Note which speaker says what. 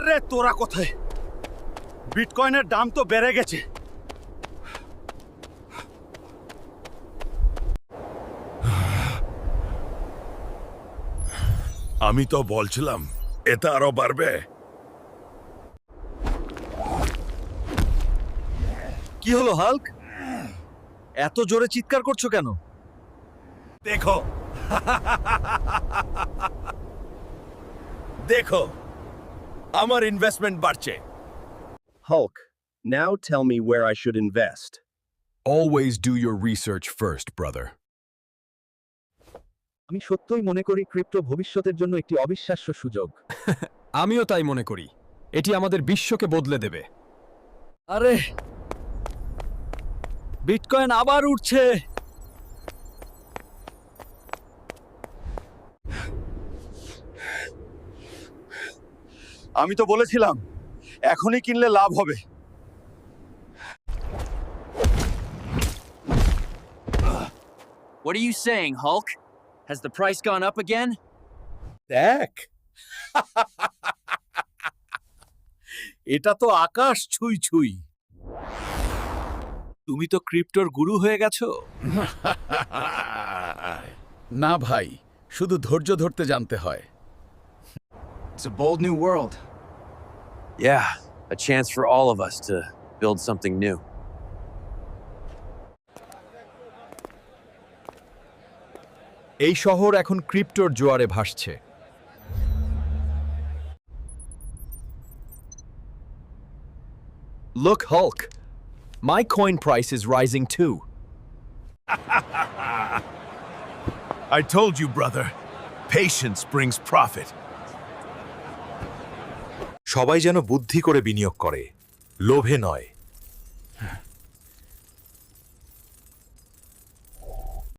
Speaker 1: আরে তোরা কোথায়? বিটকয়েনের দাম তো বেড়ে গেছে।
Speaker 2: আমি তো বলছিলাম এটা আরো বাড়বে।
Speaker 1: কি হলো হাল্ক? এত জোরে চিৎকার করছো কেন?
Speaker 2: দেখো দেখো আমার ইনভেস্টমেন্ট বাড়ছে।
Speaker 3: Hulk, now tell me where I should invest.
Speaker 4: Always do your research first, brother.
Speaker 3: আমি সত্যই মনে করি ক্রিপ্টো ভবিষ্যতের জন্য একটি অবিশ্বাস্য সুযোগ।
Speaker 4: আমিও তাই মনে করি। এটি আমাদের বিশ্বকে বদলে দেবে।
Speaker 1: আরে বিটকয়েন আবার উঠছে। আমি তো বলেছিলাম এখনই কিনলে লাভ হবে।
Speaker 5: What are you saying, Hulk? Has the price gone up again?
Speaker 1: দেখ এটা তো আকাশ ছুঁই ছুঁই। তুমি তো ক্রিপ্টোর গুরু হয়ে গেছো।
Speaker 2: না ভাই, শুধু ধৈর্য ধরতে জানতে হয়।
Speaker 5: It's a bold new world. Yeah, a chance for all of us to build something new.
Speaker 4: এই শহর এখন ক্রিপ্টোর জোয়ারে ভাসছে। Look, Hulk. My coin price is rising too.
Speaker 2: I told you, brother. Patience brings profit.
Speaker 6: সবাই যেন বুদ্ধি করে বিনিয়োগ করে, লোভে নয়।